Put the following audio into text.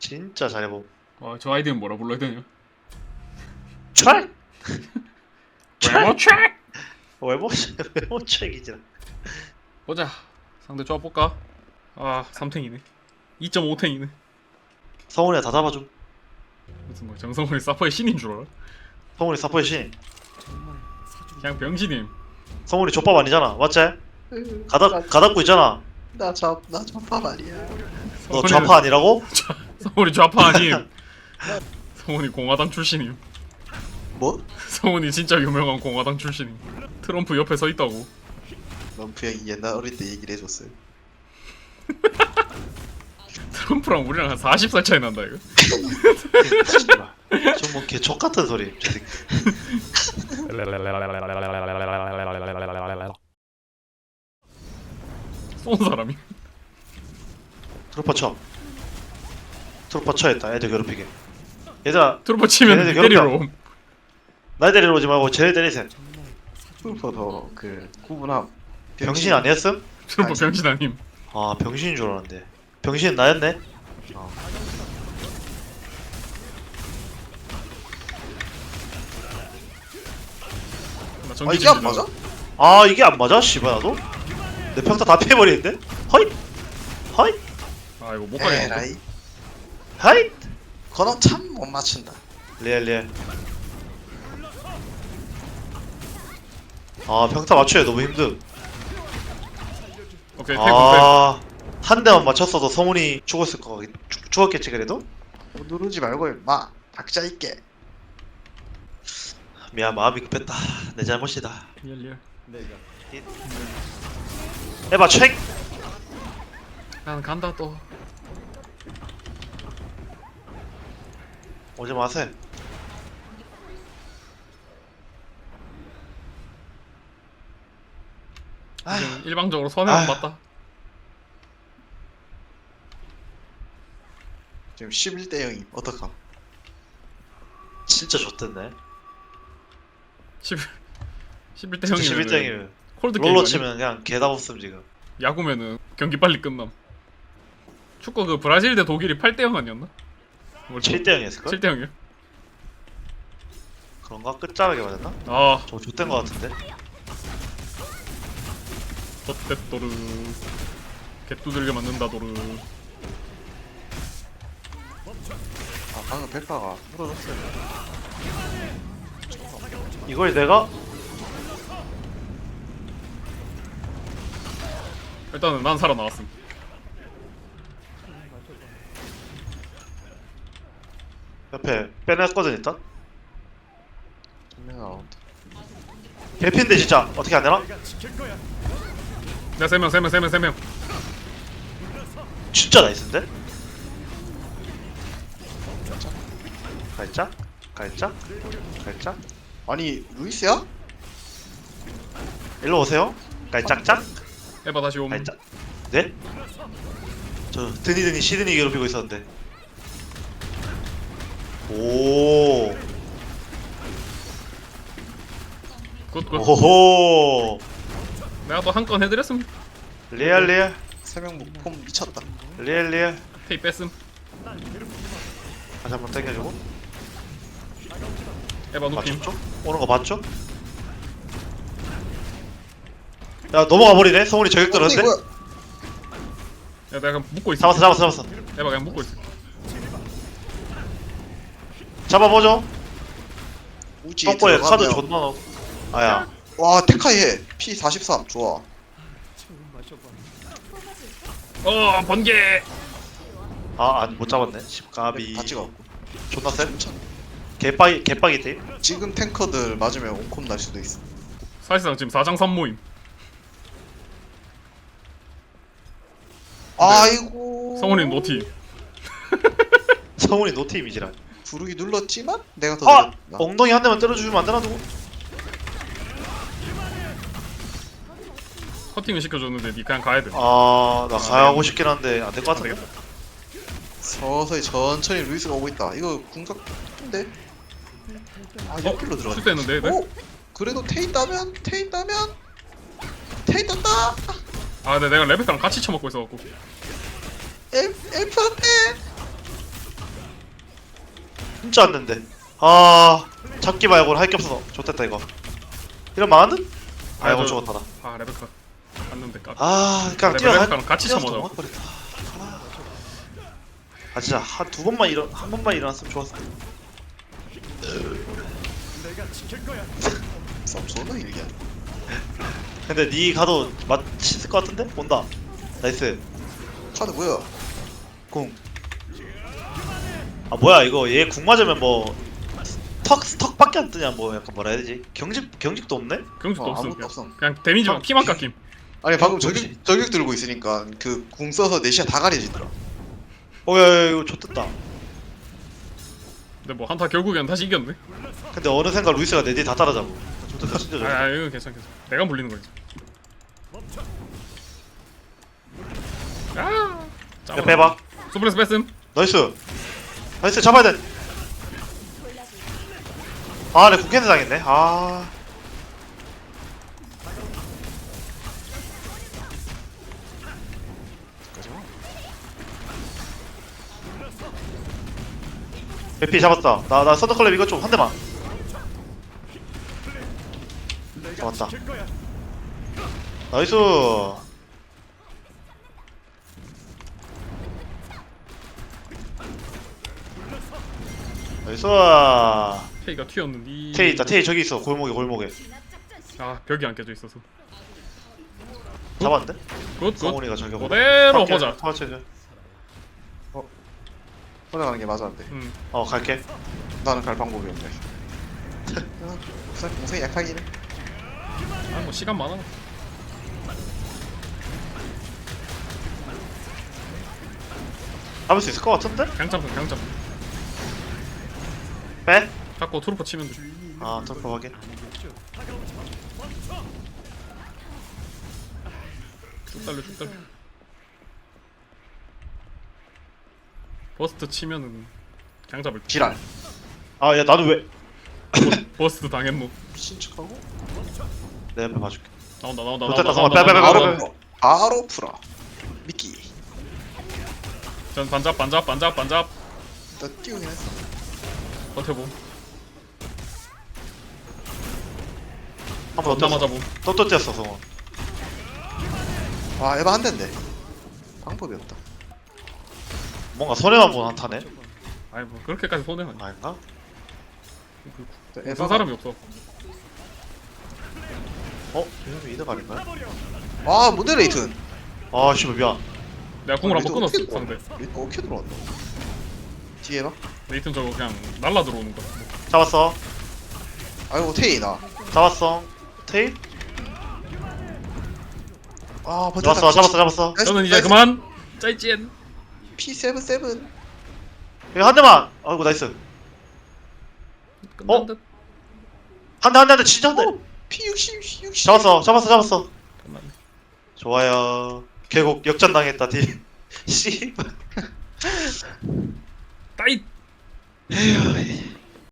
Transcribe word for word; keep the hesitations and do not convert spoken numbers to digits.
진짜 잘해봄. 어, 저 아이디는 뭐라 불러야 되냐? 트랙! 외모 트랙! 외모 외모 트랙이잖아. 보자. 상대 조합 볼까? 아, 삼 탱이네. 이 점 오 탱이네. 성훈이가 다 잡아줌. 무슨 뭐 정성훈이 사퍼의 신인 줄 알아? 성훈이 사포의 신. 그냥 병신임. 성훈이 족밥 아니잖아, 맞지? 가닥 가닥고 있잖아. 나저나 저밥 아니야. 너 좌파 아니라고? 성훈이 좌파 아님. 성훈이 공화당 출신임. 뭐? 성훈이 진짜 유명한 공화당 출신임. 트럼프 옆에 서 있다고. 럼프 형이 옛날 어릴 때 얘기를 해줬어요. 트럼프랑 우리랑 한 마흔 살 차이 난다 이거. 좀뭐 개족 같은 소리. 저 새끼. 쏜 사람이. 트루퍼 쳐. 트루퍼 쳐했다. 애들 괴롭히게. 얘들아, 트럼프 치면 얘네들 때리러 괴롭혀. 옴. 날 데리러 오지 말고 쟤네 때리세요. 럼프도 그 구분함. 병신 아니었음? 트럼프 병신 아님. 아, 병신인 줄 알았는데. 병신은 나였네. 어. 나 아 전기 이게 안 진주다. 맞아? 아, 이게 안 맞아? 씨발 나도? 내 평타 다 패버리는데? 허잇! 허잇! 아 이거 못 가겠네. 에라이. 허잇! 그럼 참 못 맞춘다. 리얼 리얼. 아, 평타 맞추기 너무 힘듦. 오케이 태국 태. 아, 한 대만 맞췄어도 성훈이 죽었을 거 같- 죽, 죽었겠지 그래도? 뭐 누르지 말고 임마. 닥자 있게. 미안, 마음이 급했다. 내 잘못이다. 리얼 리얼. 에바 책! 난 간다 또. 오지 마세요. 아, 지금 일방적으로 손해만 아휴. 봤다. 지금 십일 대 영이 어떡함? 진짜 좋댔네. 십 십일 대 진짜 형이면 십일 등이면 콜드 게임 롤러 아니야? 치면 그냥 개다 없음 지금. 야구면은 경기 빨리 끝남. 축구 그 브라질 대 독일이 팔 대 영 아니었나? 칠 대 영이었을걸? 칠 대 영이요? 그런가? 끝자락에 맞았나? 아, 저 좋댄 거 같은데? 덧대도르 개뚜들게 맞는다 도르. 아 방금 백파가 물어줬어요. 이걸 내가? 일단은 난 살아나왔음. 옆에 빼냈거든 일단? 전면 나온다. 개핀데 진짜 어떻게 안 되나? 내가 세 명, 세 명, 세 명, 세 명. 진짜 나이스인데? 갈짝? 갈짝? 갈짝? 아니 루이스야? 일로 오세요. 갈짝짝? 에바 다시 옴. 갈짝? 네? 저 드니드니 시드니 괴롭히고 있었는데. 오. 굿굿. 오호. 내가 또 한 건 해드렸음. 리얼 리얼. 세명 목폼 미쳤다. 리얼 리얼. 테이 뺐음. 다시 한번 당겨주고. 에바 누팀. 맞췄죠? 오는 거 봤죠? 야, 넘어가 버리네. 성훈이 저격 들었는데. 뭐야? 야 내가 그냥 묶고 있어. 잡았어, 잡았어, 잡았어. 에바 그냥 묶고 있어. 잡아보죠. 우지에 똥꼬에 카드 들어가면 존나 넣어. 아야. 와 테카이 해. 피 사십삼 좋아. 어 번개. 아, 안, 못 잡았네. 십가비. 다 찍어. 존나 쎄. 개빡이, 개빡이 팀. 지금 탱커들 맞으면 온콤 날 수도 있어. 사실상 지금 사 장 삼 모임. 아이고. 성훈이는 노티. 성훈이 노팀이지라. 부르기 눌렀지만 내가 더 아! 느렸나? 엉덩이 한 대만 때려주면 안 되나, 누구? 커팅을 시켜줬는데 니 그냥 가야 돼. 아, 나 가야하고 싶긴 한데 안 될 것 같은데. 서서히 천천히 루이스가 오고 있다. 이거 궁각인데? 아 옆길로 들어가. 실수했는데 얘들? 오! 그래도 테이 따면 테이 따면 테이 땄다. 아 근데 내가 레베카랑 같이 쳐먹고 있어갖고. 엘 엘프 한테. 진짜 안 된대. 아 잡기 말고는 할 게 없어서 좋됐다 이거. 이런 망하는? 아이고 저- 죽었다 나. 아 레베카 갔는데 까. 아 그냥 레- 뛰어가. 레베카랑 같이 뛰어서 쳐먹어. 도망가버렸다. 아. 아 진짜 한 두 번만 일어 한 번만 일어났으면 좋았을 텐데. 싸움 존나 이게. 근데 니 가도 맞힐 것 같은데? 온다. 나이스. 카드 뭐야? 궁. 아 뭐야 이거 얘 궁 맞으면 뭐 턱 턱밖에 안 뜨냐 뭐 약간 뭐라 해야 되지? 경직 경직도 없네? 경직도 어, 없음. 아무것도 그냥, 없음. 그냥 데미지만 피만 깎임. 아니 방금 역시. 저격 저격 들고 있으니까 그 궁 써서 내시야 다 가려지더라. 어야 이거 좋됐다. 근데 뭐 한타 결국엔 다시 이겼네. 근데 어느 생각 루이스가 내 뒤에 다 따라잡고. 좋됐다 진짜 아, 좋다. 아 이거 괜찮 괜찮. 내가 물리는 거지. 아. 야 빼봐. 소프레스 뺐음. 나이스. 나이스 잡아야 돼. 아, 내 국회의원 당했네. 아. 에피 잡았다. 나, 나 서드클랩 이거 좀 한 대만. 잡았다. 나이스. 나이스. 테이가 튀었는데. 테이 있다. 테이 저기 있어. 골목에 골목에. 아 벽이 안 깨져 있어서. 잡았는데? 굿 굿. 성훈이가 저기 그대로 보자. 터치해줘. 혼자가는 게 맞았는데. 음. 어 갈게. 나는 갈 방법이 없네. 우선 공성이 약하기는. 아뭐 시간 많아. 잡을 수 있을 것 같은데? 강짬뽕 강짬뽕. 빼? 자꾸 트루퍼 치면 돼. 아 털프 확인. 쭉 달려 쭉 달려. 버스트 치면은 그냥 잡을 때. 지랄. 아 야 나도 왜? 버스트 당했노. 미친 척하고. 내 옆에 봐줄게. 나온다 나온다 좋겠다, 나온다 성아. 나온다 빼, 빼, 빼, 나온다, 빼, 나온다. 빼. 바로 바로 풀어. 미끼. 전 반잡 반잡 반잡 반잡. 나 띄우긴 했어. 버텨봄. 한번 나 더 뛰었어. 맞아봄. 또또 뛰었어 성원. 와 에바 한 대인데. 방법이 없다. 뭔가 손해만 보는 한타네. 아이 뭐 그렇게까지 손해는 아니야. 아닌가? 무슨 사람이 없어. 어? 이놈이 이득 아닌가요? 아 뭔데 레이튼. 아 씨발 미안. 내가 궁을 한번 끊었어 어떻게 상대. 들어왔노? 레이튼 어떻게 들어왔노? 뒤에 봐. 레이튼 저거 그냥 날라 들어오는 거. 잡았어. 아이고 테이 나. 잡았어. 테이? 아 버텼다. 잡았어 잡았어 잡았어. 나이스, 저는 이제 나이스. 그만 짜이찐. 피 세븐 세븐. 이거 한 대만. 아이고 나이스. 끝난 어? 듯. 한 대 한 대 한 대 진짜 한 대. 피 육십 육십. 잡았어 잡았어 잡았어. 끝났네. 좋아요. 계곡 역전 당했다 디. 씨. 따잇. 에휴.